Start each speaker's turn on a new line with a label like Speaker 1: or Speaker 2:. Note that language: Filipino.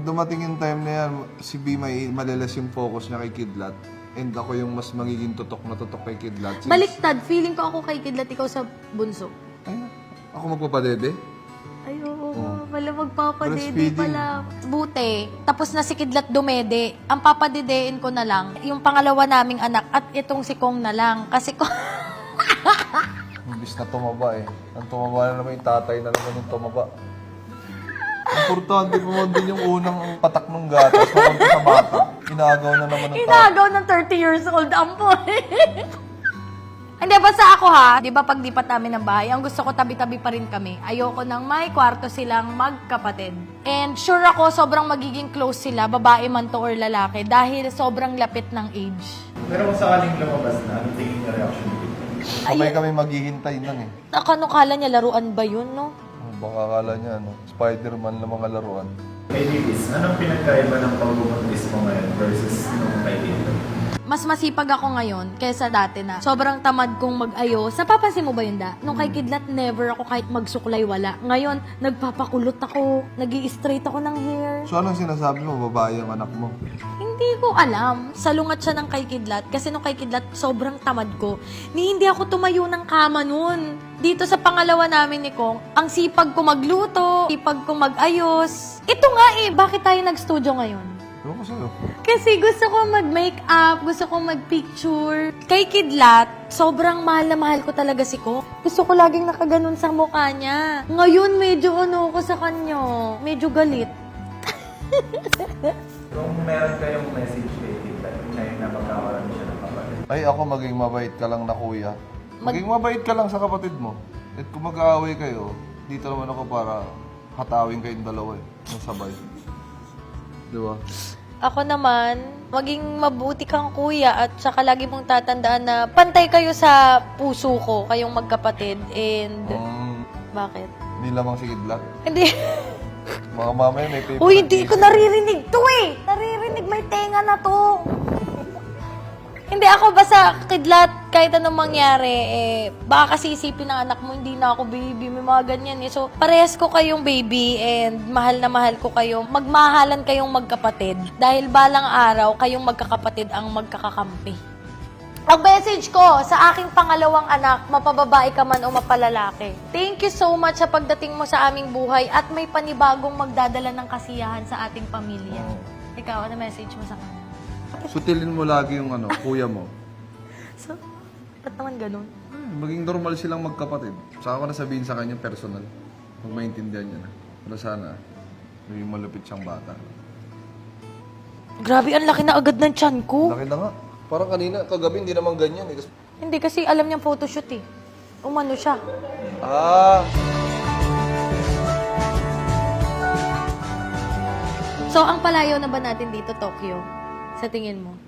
Speaker 1: dumating yung time na yan, si B may malilas yung focus niya kay Kidlat. And ako yung mas magiging tutok na tutok kay Kidlat.
Speaker 2: Baliktad, feeling ko ako kay Kidlat, ikaw sa bunso.
Speaker 1: Ay, ako magpapadede?
Speaker 2: Ay, oo, wala magpapadede
Speaker 1: Breastfeeding.
Speaker 2: pala. Buti, tapos na si Kidlat dumede. Ang papadedein ko na lang, yung pangalawa naming anak at itong si Kong na lang. Kasi ko...
Speaker 1: Imbis na tumaba eh. Ang tumaba na naman yung tatay na naman yung tumaba. Importante po man din yung unang patak ng gatas papunta sa bata. Inagaw na naman ng tatay.
Speaker 2: Inagaw ng 30 years old, ampoy. Hindi, basta ako ha, di ba pag lipat namin ng bahay, ang gusto ko tabi-tabi pa rin kami. Ayoko nang may kwarto silang magkapatid. And sure ako, sobrang magiging close sila, babae man to or lalaki, dahil sobrang lapit ng age.
Speaker 3: Pero kung sakaling lumabas na, ano tingin na reaction dito?
Speaker 1: Sabay kami maghihintay nun eh.
Speaker 2: Kala niya laruan ba yun, no?
Speaker 1: Baka akala niya, ano, Spider-Man lang mga laruan.
Speaker 3: Kay Lilis, anong pinagkaiba ng pagbubuntis mo ngayon versus nung kay Tito?
Speaker 2: Mas masipag ako ngayon kaysa dati na sobrang tamad kong mag-ayos. Napapansin mo ba yun, Da? Nung kay Kidlat, never ako kahit magsuklay, wala. Ngayon, nagpapakulot ako, nag-i-straight ako ng hair.
Speaker 1: So anong sinasabi mo, babae ang anak mo?
Speaker 2: Hindi ko alam. Salungat siya ng kay Kidlat. Kasi nung kay Kidlat, sobrang tamad ko. Hindi ako tumayo ng kama nun. Dito sa pangalawa namin ni Kong, ang sipag ko magluto, sipag ko mag-ayos. Ito nga eh, bakit tayo nag-studio ngayon?
Speaker 1: Ewan ko sa'yo.
Speaker 2: Kasi gusto ko mag-makeup, gusto ko mag-picture. Kay Kidlat, sobrang mahal na mahal ko talaga si Kong. Gusto ko laging nakaganon sa mukha niya. Ngayon, medyo ano ko sa kanya. Medyo galit.
Speaker 3: Kung meron kayong message kay Tita, ngayon na magkakaroon siya ng kapatid.
Speaker 1: Ay, ako maging mabait ka lang na kuya. Maging mabait ka lang sa kapatid mo. At kung mag-aaway kayo, dito naman ako para hatawin kayong dalawa eh. Ng sabay. Di ba?
Speaker 2: Ako naman, maging mabuti kang kuya at saka lagi mong tatandaan na pantay kayo sa puso ko, kayong magkapatid. And, bakit?
Speaker 1: Hindi lamang si Kidlat.
Speaker 2: Hindi.
Speaker 1: Mga mamaya may paper.
Speaker 2: Uy, hindi ko naririnig to eh. Naririnig, may tenga na to. Hindi ako basta Kidlat, kahit anong mangyari, baka kasi isipin ng anak mo, hindi na ako baby, may mga ganyan eh. So, parehas ko kayong baby and mahal na mahal ko kayo. Magmahalan kayong magkapatid. Dahil balang araw, kayong magkakapatid ang magkakakampi. Ang message ko sa aking pangalawang anak, mapababae ka man o mapalalaki. Thank you so much sa pagdating mo sa aming buhay at may panibagong magdadala ng kasiyahan sa ating pamilya. Ikaw, ano message mo sa kanya?
Speaker 1: Sutilin mo lagi yung ano, kuya mo.
Speaker 2: So, ba't naman ganun?
Speaker 1: Maging normal silang magkapatid. Saka ko na sabihin sa kanya personal. Pag maintindihan niya na. Pero sana, maging malupit siyang bata.
Speaker 2: Grabe, ang laki na agad ng tiyan ko.
Speaker 1: Laki na nga. Parang kanina, kagabi, hindi naman ganyan eh.
Speaker 2: Hindi kasi alam niyang photoshoot eh. Umano siya.
Speaker 1: Ah!
Speaker 2: So, ang palayo na ba natin dito, Tokyo? Sa tingin mo?